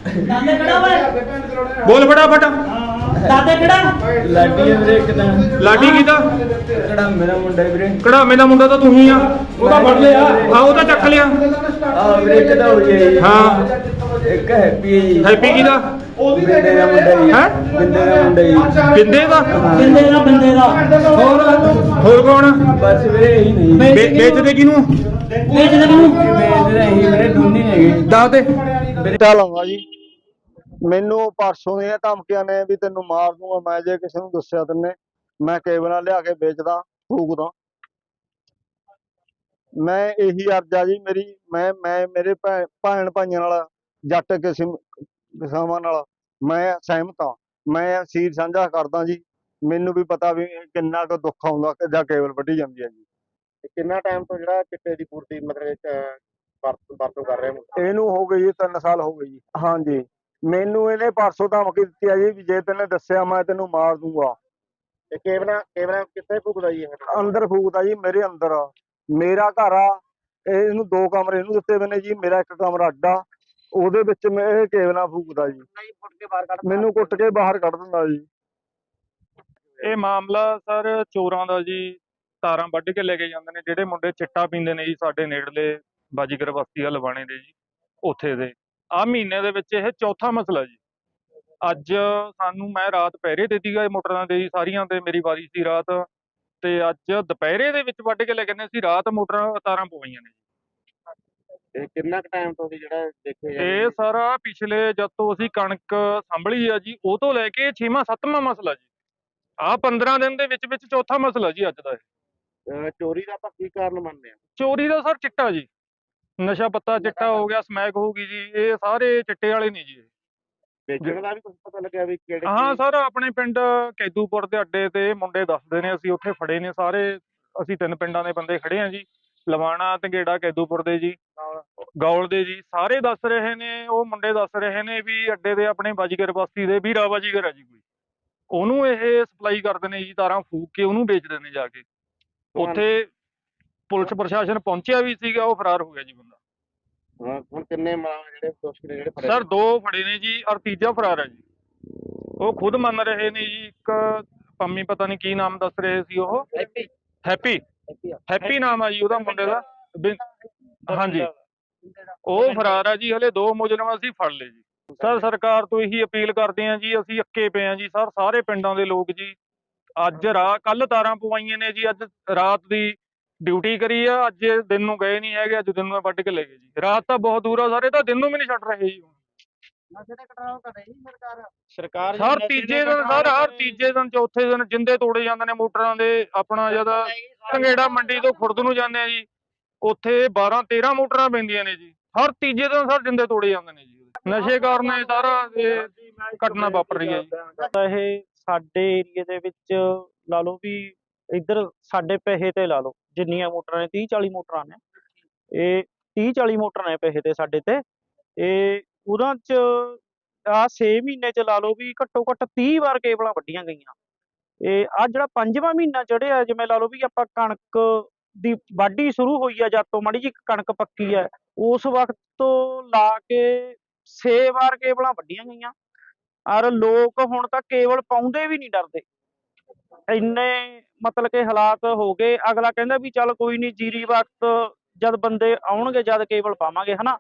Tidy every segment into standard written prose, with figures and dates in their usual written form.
ਦਾਦੇ ਕਿਹੜਾ ਓਏ? ਬੋਲ ਫਟਾਫਟ। ਦਾਦੇ ਕਿਹੜਾ? ਲਾਡੀ ਹੈ ਵੀਰੇ ਇੱਕ ਤਾਂ ਲਾਡੀ ਕਿਹਦਾ? ਕਿਹੜਾ ਮੇਰਾ ਮੁੰਡਾ ਵੀਰੇ। ਕੜਾਮੇ ਦਾ ਮੁੰਡਾ ਤਾਂ ਤੂੰ ਹੀ ਆ। ਉਹਦਾ ਫੜ ਲਿਆ। ਹਾਂ ਉਹਦਾ ਚੱਕ ਲਿਆ। ਆ ਵੀਰੇ ਇੱਕ ਤਾਂ ਹੋਈ ਹੈ ਜੀ। ਹਾਂ ਇੱਕ ਹੈਪੀ ਹੈ ਜੀ। ਹੈਪੀ ਕਿਹਦਾ? ਬਿੰਦੇ ਦਾ ਮੁੰਡਾ ਜੀ। ਹੈਂ? ਬਿੰਦੇ ਦਾ ਮੁੰਡਾ ਜੀ। ਬਿੰਦੇ ਦਾ? ਬੰਦੇ ਦਾ ਹੋਰ ਕੌਣ? ਬਸ ਵੀਰੇ ਇਹੀ ਨਹੀਂ ਵੇਚਦੇ ਕਿਹਨੂੰ? ਵੇਚਦੇ ਕਿਹਨੂੰ? ਵੇਚਦੇ ਇਹੀ ਵੀਰੇ ਦੋਨੇ ਹੈਗੇ। ਦੱਸ ਦੇ। ਬਿੱਟਾ ਲਾਉਂਦਾ ਜੀ। ਮੈਨੂੰ ਪਰਸੋਂ ਦੀਆਂ ਧਮਕੀਆਂ ਨੇ ਵੀ ਤੈਨੂੰ ਮਾਰ ਦੂੰਗਾ ਮੈਂ ਜੇ ਕਿਸੇ ਨੂੰ ਦੱਸਿਆ ਤੈਨੇ। ਮੈਂ ਕੇਬਲਾਂ ਲਿਆ ਕੇ ਵੇਚਦਾ ਫੂਕਦਾ। ਮੈਂ ਇਹੀ ਅਰਜ਼ ਆ ਜੀ ਮੇਰੀ। ਮੈਂ ਮੇਰੇ ਭੈਣ ਭਾਈਆਂ ਨਾਲ ਜੱਟ ਕਿਸਾਨਾਂ ਨਾਲ ਮੈਂ ਸਹਿਮਤ ਹਾਂ। ਮੈਂ ਸੀਰ ਸਾਂਝਾ ਕਰਦਾ ਜੀ। ਮੈਨੂੰ ਵੀ ਪਤਾ ਵੀ ਕਿੰਨਾ ਕੁ ਦੁੱਖ ਆਉਂਦਾ ਜਾਂ ਕੇਬਲ ਵੱਢੀ ਜਾਂਦੀ ਹੈ ਜੀ। ਕਿੰਨਾ ਟਾਈਮ ਤੋਂ ਜਿਹੜਾ ਚਿੱਟੇ ਦੀ ਪੂਰਤੀ ਮਤਲਬ ਵਰਤੋਂ ਕਰ ਰਹੇ ਹੋ? ਇਹਨੂੰ ਹੋ ਗਈ ਜੀ 3 ਸਾਲ ਹੋ ਗਏ ਜੀ। ਹਾਂਜੀ ਮੈਨੂੰ ਇਹਨੇ ਪਰਸੋਂ ਧਮਕੀ ਦਿੱਤੀ ਆ ਜੀ ਵੀ ਜੇ ਤੈਨੇ ਦੱਸਿਆ ਮੈਂ ਤੈਨੂੰ ਮਾਰ ਦੂੰਗਾ। ਤੇ ਕੇਵਲਾ ਕਿੱਥੇ ਭੁਗਦਾ ਜੀ ਇਹ? ਅੰਦਰ ਫੂਕਦਾ ਜੀ ਮੇਰੇ ਅੰਦਰ। ਮੇਰਾ ਘਰ ਆ। ਇਹਨੂੰ 2 ਕਮਰੇ ਇਹਨੂੰ ਦਿੱਤੇ ਹੋਏ ਨੇ ਜੀ। ਮੇਰਾ 1 ਕਮਰਾ ਅੱਡਾ। ਉਹਦੇ ਵਿੱਚ ਮੈਂ ਇਹ ਕੇਬਲਾਂ ਫੂਕਦਾ ਜੀ। ਮੈਨੂੰ ਕੁੱਟ ਕੇ ਬਾਹਰ ਕੱਢ ਦਿੰਦਾ ਜੀ। ਇਹ ਮਾਮਲਾ ਸਰ ਚੋਰਾਂ ਦਾ ਜੀ। ਤਾਰਾਂ ਵੱਢ ਕੇ ਲੈ ਕੇ ਜਾਂਦੇ ਨੇ ਜਿਹੜੇ ਮੁੰਡੇ ਚਿੱਟਾ ਪੀਂਦੇ ਨੇ ਜੀ ਸਾਡੇ ਨੇੜਲੇ ਬਾਜੀਗਰ ਬਸਤੀ ਲਵਾਣੇ ਦੇ ਜੀ ਉੱਥੇ ਦੇ। ਆਹ ਮਹੀਨੇ ਦੇ ਵਿੱਚ ਇਹ ਚੌਥਾ ਮਸਲਾ ਜੀ। ਅੱਜ ਸਾਨੂੰ ਮੈਂ ਰਾਤ ਪਹਿਰੇ ਤੇ ਸੀਗਾ ਮੋਟਰਾਂ ਦੇ ਜੀ ਸਾਰੀਆਂ ਤੇ ਮੇਰੀ ਵਾਰੀ ਸੀ ਰਾਤ। ਤੇ ਅੱਜ ਦੁਪਹਿਰੇ ਦੇ ਵਿੱਚ ਵੱਢ ਕੇ ਲੈ ਗਏ ਨੇ। ਅਸੀਂ ਰਾਤ ਮੋਟਰਾਂ ਤਾਰਾਂ ਪਵਾਈਆਂ ਨੇ ਜੀ। ਤੇ ਕਿੰਨਾ ਕੁ ਟਾਈਮ ਤੋਂ ਜਿਹੜਾ ਦੇਖੇ ਇਹ ਸਾਰਾ ਪਿਛਲੇ ਜਦ ਤੋਂ ਅਸੀਂ ਕਣਕ ਸੰਭਲੀ ਆ ਜੀ ਉਹ ਤੋਂ ਲੈ ਕੇ 6ਵਾਂ 7ਵਾਂ ਮਸਲਾ ਜੀ। ਆਹ 15 ਦਿਨ ਦੇ ਵਿੱਚ ਚੌਥਾ ਮਸਲਾ ਜੀ ਅੱਜ ਦਾ। ਚੋਰੀ ਦਾ ਆਪਾਂ ਕੀ ਕਾਰਨ ਮੰਨਦੇ ਆ? ਚੋਰੀ ਦਾ ਸਰ ਚਿੱਟਾ ਜੀ। ਨਸ਼ਾ ਪੱਤਾ ਚਿੱਟਾ ਹੋ ਗਿਆ, ਸਮੈਕ ਹੋ ਗਈ ਜੀ। ਇਹ ਸਾਰੇ ਚਿੱਟੇ ਵਾਲੇ ਨੇ ਜੀ। ਵੇਚਣ ਦਾ ਵੀ ਕੁਝ ਪਤਾ ਲੱਗਿਆ ਵੀ ਕਿਹੜੇ? ਹਾਂ ਸਰ ਆਪਣੇ ਪਿੰਡ ਕੈਦੂਪੁਰ ਦੇ ਅੱਡੇ ਤੇ ਮੁੰਡੇ ਦੱਸਦੇ ਨੇ। ਅਸੀਂ ਉੱਥੇ ਫੜੇ ਨੇ ਸਾਰੇ। ਅਸੀਂ 3 ਪਿੰਡਾਂ ਦੇ ਬੰਦੇ ਖੜੇ ਆ ਜੀ। ਲਵਾਣਾ, ਧੰਗੇੜਾ, ਕੈਦੂਪੁਰ ਦੇ ਜੀ, ਗੌਲ ਦੇ ਜੀ। ਸਾਰੇ ਦੱਸ ਰਹੇ ਨੇ। ਉਹ ਮੁੰਡੇ ਦੱਸ ਰਹੇ ਨੇ ਵੀ ਅੱਡੇ ਦੇ ਆਪਣੇ ਬਾਜੀਗਰ ਬਸਤੀ ਦੇ ਵੀਰਾ ਬਾਜੀਗਰ ਆ ਜੀ ਕੋਈ। ਉਹਨੂੰ ਇਹ ਸਪਲਾਈ ਕਰਦੇ ਨੇ ਜੀ ਤਾਰਾਂ ਫੂਕ ਕੇ ਉਹਨੂੰ ਵੇਚਦੇ ਨੇ ਜਾ ਕੇ। ਉੱਥੇ ਪੁਲਿਸ ਪ੍ਰਸ਼ਾਸਨ ਪਹੁੰਚਿਆ ਵੀ ਸੀਗਾ। ਉਹ ਫਰਾਰ ਹੋ ਗਿਆ ਜੀ ਬੰਦਾ। ਹਾਂ ਹੁਣ ਕਿੰਨੇ ਜਿਹੜੇ ਦੋਸ਼ੀ ਨੇ ਜਿਹੜੇ ਫੜੇ? ਸਰ 2 ਫੜੇ ਨੇ ਜੀ ਔਰ ਤੀਜਾ ਫਰਾਰ ਹੈ ਜੀ। ਉਹ ਖੁਦ ਮੰਨ ਰਹੇ ਨੇ ਜੀ। ਇੱਕ ਪੰਮੀ ਪਤਾ ਨਹੀਂ ਕੀ ਨਾਮ ਦੱਸ ਰਹੇ ਸੀ ਉਹ। ਹੈਪੀ ਨਾਮ ਆ ਜੀ ਉਹਦਾ ਮੁੰਡੇ ਦਾ। ਹਾਂਜੀ ਉਹ ਫਰਾਰ ਆ ਜੀ। ਹਲੇ 2 ਮੁਜਰਮ ਅਸੀਂ ਫੜ ਲਏ ਜੀ। ਸਰ ਸਰਕਾਰ ਤੋਂ ਇਹੀ ਅਪੀਲ ਕਰਦੇ ਆ ਜੀ। ਅਸੀਂ ਅੱਕੇ ਪਏ ਆ ਜੀ ਸਰ ਸਾਰੇ ਪਿੰਡਾਂ ਦੇ ਲੋਕ ਜੀ। ਅੱਜ ਕੱਲ ਤਾਰਾਂ ਪਵਾਈਆਂ ਨੇ ਜੀ। ਅੱਜ ਰਾਤ ਦੀ ਡਿਊਟੀ ਕਰੀ ਆ। ਅੱਜ ਦਿਨ ਨੂੰ ਗਏ ਨਹੀਂ ਹੈਗੇ। ਅੱਜ ਦਿਨ ਨੂੰ ਵੱਢ ਕੇ ਲੈ ਗਏ ਜੀ। ਰਾਤ ਤਾਂ ਬਹੁਤ ਦੂਰ ਆ ਸਾਰੇ ਤਾਂ ਦਿਨ ਨੂੰ ਵੀ ਨਹੀਂ ਛੱਡ ਰਹੇ ਜੀ। ਸਰਕਾਰ ਹਰ ਤੀਜੇ ਦਿਨ ਸਰ ਹਰ ਤੀਜੇ ਦਿਨ ਚੌਥੇ ਦਿਨ ਜਿੰਦੇ ਤੋੜੇ ਜਾਂਦੇ ਨੇ ਮੋਟਰਾਂ ਦੇ। ਆਪਣਾ ਜਦ ਧੰਗੇੜਾ ਮੰਡੀ ਤੋਂ ਖੁਰਦ ਨੂੰ ਜਾਂਦੇ ਆ ਜੀ ਉੱਥੇ 12-13 ਮੋਟਰਾਂ ਪੈਂਦੀਆਂ ਨੇ ਜੀ। ਹਰ ਤੀਜੇ ਦਿਨ ਸਰ ਜਿੰਦੇ ਤੋੜੇ ਜਾਂਦੇ ਨੇ ਜੀ। ਨਸ਼ੇ ਕਾਰਨ ਇਹ ਸਾਰਾ ਇਹ ਘਟਨਾ ਵਾਪਰ ਰਹੀ ਹੈ ਜੀ। ਇਹ ਸਾਡੇ ਏਰੀਏ ਦੇ ਵਿੱਚ ਲਾ ਲਓ ਵੀ ਇੱਧਰ ਸਾਡੇ ਪੈਸੇ ਤੇ ਲਾ ਲਓ ਜਿੰਨੀਆਂ ਮੋਟਰਾਂ ਨੇ 30-40 ਮੋਟਰਾਂ ਨੇ। ਇਹ 30-40 ਮੋਟਰਾਂ ਨੇ ਪੈਸੇ ਤੇ ਸਾਡੇ ਤੇ। ਇਹ ਉਹਨਾਂ 'ਚ ਆਹ 6 ਮਹੀਨੇ 'ਚ ਲਾ ਲਓ ਵੀ ਘੱਟੋ ਘੱਟ 30 ਵਾਰ ਕੇਬਲਾਂ ਵੱਢੀਆਂ ਗਈਆਂ। ਇਹ ਆਹ ਜਿਹੜਾ 5ਵਾਂ ਮਹੀਨਾ ਚੜ੍ਹਿਆ ਜਿਵੇਂ ਲਾ ਲਓ ਵੀ ਆਪਾਂ ਕਣਕ ਦੀ ਵਾਢੀ ਸ਼ੁਰੂ ਹੋਈ ਆ ਜਦ ਤੋਂ ਮਾੜੀ ਜਿਹੀ ਕਣਕ ਪੱਕੀ ਹੈ ਉਸ ਵਕਤ ਤੋਂ ਲਾ ਕੇ 6 ਵਾਰ ਕੇਬਲਾਂ ਵੱਢੀਆਂ ਗਈਆਂ। ਔਰ ਲੋਕ ਹੁਣ ਤਾਂ ਕੇਬਲ ਪਾਉਂਦੇ ਵੀ ਨਹੀਂ ਡਰਦੇ। ਇੰਨੇ ਮਤਲਬ ਕਿ ਹਾਲਾਤ ਹੋ ਗਏ। ਅਗਲਾ ਕਹਿੰਦਾ ਵੀ ਚੱਲ ਕੋਈ ਨਹੀਂ ਜੀਰੀ ਵਕਤ ਜਦ ਬੰਦੇ ਆਉਣਗੇ ਜਦ ਕੇਬਲ ਪਾਵਾਂਗੇ ਹਨਾ।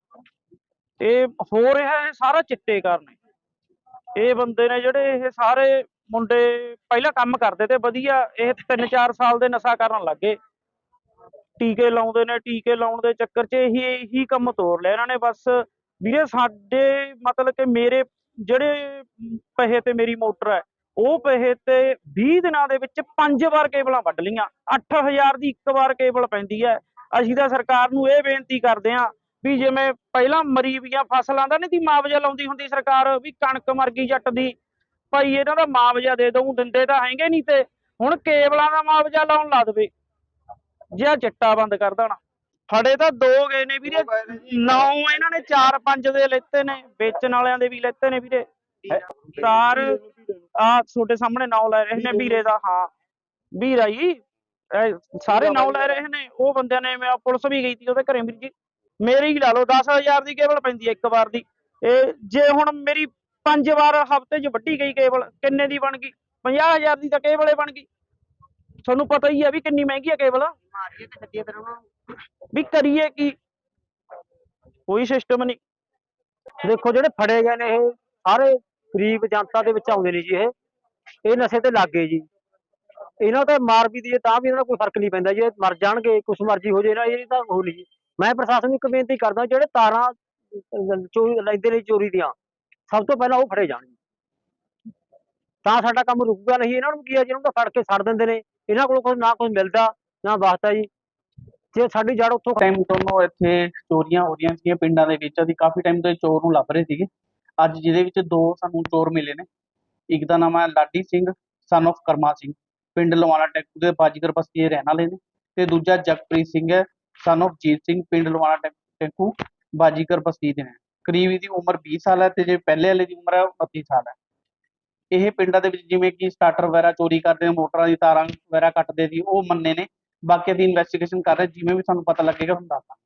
ਇਹ ਹੋ ਰਿਹਾ ਇਹ ਸਾਰਾ ਚਿੱਟੇ ਕਾਰਨ। ਇਹ ਬੰਦੇ ਨੇ ਜਿਹੜੇ ਇਹ ਸਾਰੇ ਮੁੰਡੇ ਪਹਿਲਾਂ ਕੰਮ ਕਰਦੇ ਤੇ ਵਧੀਆ। ਇਹ 3-4 ਸਾਲ ਦੇ ਨਸ਼ਾ ਕਰਨ ਲੱਗ ਗਏ। ਟੀਕੇ ਲਾਉਂਦੇ ਨੇ। ਟੀਕੇ ਲਾਉਣ ਦੇ ਚੱਕਰ 'ਚ ਇਹੀ ਕੰਮ ਤੋਰ ਲਿਆ ਇਹਨਾਂ ਨੇ ਬਸ। ਵੀਰੇ ਸਾਡੇ ਮਤਲਬ ਕਿ ਮੇਰੇ ਜਿਹੜੇ ਪੈਸੇ ਤੇ ਮੇਰੀ ਮੋਟਰ ਹੈ ਉਹ ਪੈਸੇ ਤੇ 20 ਦਿਨਾਂ ਦੇ ਵਿੱਚ 5 ਵਾਰ ਕੇਬਲਾਂ ਵੱਢ ਲਈਆਂ। 8000 ਦੀ 1 ਵਾਰ ਕੇਬਲ ਪੈਂਦੀ ਹੈ। ਅਸੀਂ ਤਾਂ ਸਰਕਾਰ ਨੂੰ ਇਹ ਬੇਨਤੀ ਕਰਦੇ ਹਾਂ ਵੀ ਜਿਵੇਂ ਪਹਿਲਾਂ ਮਰੀ ਵੀਆਂ ਫਸਲਾਂ ਦਾ ਨਹੀਂ ਤੀ ਮੁਆਵਜ਼ਾ ਲਾਉਂਦੀ ਹੁੰਦੀ ਸਰਕਾਰ ਵੀ ਕਣਕ ਮਰ ਗਈ ਜੱਟ ਦੀ ਭਾਈ ਇਹਨਾਂ ਦਾ ਮੁਆਵਜ਼ਾ ਦੇ ਦਊ। ਦਿੰਦੇ ਤਾਂ ਹੈਗੇ ਨਹੀਂ ਤੇ ਹੁਣ ਕੇਬਲਾਂ ਦਾ ਮੁਆਵਜ਼ਾ ਲਾਉਣ ਲਾ ਦੇਵੇ ਜੇ ਆਹ ਚਿੱਟਾ ਬੰਦ ਕਰ ਦੇਣ। ਫੜੇ ਤਾਂ 2 ਗਏ ਨੇ ਵੀਰੇ। 9 ਇਹਨਾਂ ਨੇ 4-5 ਦੇ ਲੈਤੇ ਨੇ। ਵੇਚਣ ਵਾਲਿਆਂ ਦੇ ਵੀ ਲੈਤੇ ਨੇ ਵੀਰੇ। ਤਾਰ ਆਹ ਤੁਹਾਡੇ ਸਾਹਮਣੇ ਨਾਂ ਲੈ ਰਹੇ ਨੇ ਵੀਰੇ ਦਾ। ਹਾਂ ਵੀਰਾ ਜੀ ਸਾਰੇ ਨਾਂ ਲੈ ਰਹੇ ਨੇ। ਉਹ ਬੰਦਿਆਂ ਨੇ ਮੈਂ ਪੁਲਿਸ ਵੀ ਗਈ ਸੀ ਉਹਦੇ ਘਰੇ ਵੀਰ ਜੀ। ਮੇਰੀ ਹੀ ਲਾ ਲਓ 10,000 ਦੀ ਕੇਬਲ ਪੈਂਦੀ ਹੈ 1 ਵਾਰ ਦੀ। ਇਹ ਜੇ ਹੁਣ ਮੇਰੀ 5 ਵਾਰ ਹਫ਼ਤੇ 'ਚ ਵੱਢੀ ਗਈ ਕੇਬਲ, ਕਿੰਨੇ ਦੀ ਬਣ ਗਈ? 50,000 ਦੀ ਤਾਂ ਕੇਬਲ ਹੀ ਬਣ ਗਈ। ਤੁਹਾਨੂੰ ਪਤਾ ਹੀ ਹੈ ਵੀ ਕਿੰਨੀ ਮਹਿੰਗੀ ਹੈ ਕੇਬਲ। ਵੀ ਕਰੀਏ ਕੀ? ਕੋਈ ਸਿਸਟਮ ਨਹੀਂ। ਦੇਖੋ ਜਿਹੜੇ ਫੜੇ ਗਏ ਨੇ ਇਹ ਸਾਰੇ ਗਰੀਬ ਜਨਤਾ ਦੇ ਵਿੱਚ ਆਉਂਦੇ ਨੇ ਜੀ। ਇਹ ਨਸ਼ੇ ਤੇ ਲੱਗ ਗਏ ਜੀ। ਇਹਨਾਂ ਤੇ ਮਾਰ ਵੀ ਦਈਏ ਤਾਂ ਵੀ ਇਹਨਾਂ ਦਾ ਕੋਈ ਫਰਕ ਨਹੀਂ ਪੈਂਦਾ ਜੀ। ਇਹ ਮਰ ਜਾਣਗੇ, ਕੁਛ ਮਰਜ਼ੀ ਹੋ ਜੇ ਨਾ, ਇਹ ਤਾਂ ਹੋ ਨਹੀਂ ਜੀ। ਮੈਂ ਪ੍ਰਸ਼ਾਸਨ ਨੂੰ ਇੱਕ ਬੇਨਤੀ ਕਰਦਾ, ਜਿਹੜੇ ਤਾਰਾਂ ਚੋਰੀ ਲੈਂਦੇ ਨੇ ਚੋਰੀ ਦੀਆਂ, ਸਭ ਤੋਂ ਪਹਿਲਾਂ ਉਹ ਫੜੇ ਜਾਣ, ਤਾਂ ਸਾਡਾ ਕੰਮ ਰੁਕੂਗਾ। ਨਹੀਂ ਇਹਨਾਂ ਨੂੰ ਕੀ ਹੈ, ਜਿਹਨਾਂ ਨੂੰ ਤਾਂ ਫੜ ਕੇ ਛੱਡ ਦਿੰਦੇ ਨੇ, ਇਹਨਾਂ ਕੋਲ ਕੁਛ ਨਾ ਕੁਛ ਮਿਲਦਾ ਨਾ ਵਾਸਤਾ ਜੀ। ਜੇ ਸਾਡੀ ਜੜ ਉੱਥੋਂ ਟਾਈਮ ਤੋਂ ਇੱਥੇ ਚੋਰੀਆਂ ਹੋ ਰਹੀਆਂ ਸੀਗੀਆਂ ਪਿੰਡਾਂ ਦੇ ਵਿੱਚ। ਅਸੀਂ ਕਾਫੀ ਟਾਈਮ ਤੋਂ ਇਹ ਚੋਰ ਨੂੰ ਲੱਭ ਰਹੇ ਸੀਗੇ। ਅੱਜ ਜਿਹਦੇ ਵਿੱਚ 2 ਸਾਨੂੰ ਚੋਰ ਮਿਲੇ ਨੇ। ਇੱਕ ਦਾ ਨਾਮ ਹੈ ਲਾਡੀ ਸਿੰਘ ਸਨ of ਕਰਮਾ ਸਿੰਘ, ਪਿੰਡ ਲਵਾਣਾ ਟੈਕੂ ਦੇ ਬਾਜੀਗਰ ਬਸਤੀ ਦੇ ਰਹਿਣ ਵਾਲੇ ਨੇ, ਤੇ ਦੂਜਾ ਜਗਪ੍ਰੀਤ ਸਿੰਘ ਹੈ ਸਨ of ਜੀਤ ਸਿੰਘ, ਪਿੰਡ ਲਵਾਣਾ ਟੈਕੂ ਬਾਜੀਗਰ ਬਸਤੀ ਦੇ ਨੇ। ਕਰੀਬ ਇਹਦੀ ਉਮਰ 20 ਸਾਲ ਹੈ ਤੇ ਜੇ ਪਹਿਲੇ ਵਾਲੇ ਦੀ ਉਮਰ ਹੈ 29 ਸਾਲ ਹੈ। ਇਹ ਪਿੰਡਾਂ ਦੇ ਵਿੱਚ ਜਿਵੇਂ ਕਿ ਸਟਾਰਟਰ ਵਗੈਰਾ ਚੋਰੀ ਕਰਦੇ, ਮੋਟਰਾਂ ਦੀ ਤਾਰਾਂ ਵਗੈਰਾ ਕੱਟਦੇ ਸੀ, ਉਹ ਮੰਨੇ ਨੇ। ਬਾਕੀ ਦੀ ਇਨਵੈਸਟੀਗੇਸ਼ਨ ਕਰ ਰਹੇ, ਜਿਵੇਂ ਵੀ ਸਾਨੂੰ ਪਤਾ ਲੱਗੇਗਾ ਤੁਹਾਨੂੰ ਦੱਸ ਦਾਂਗੇ।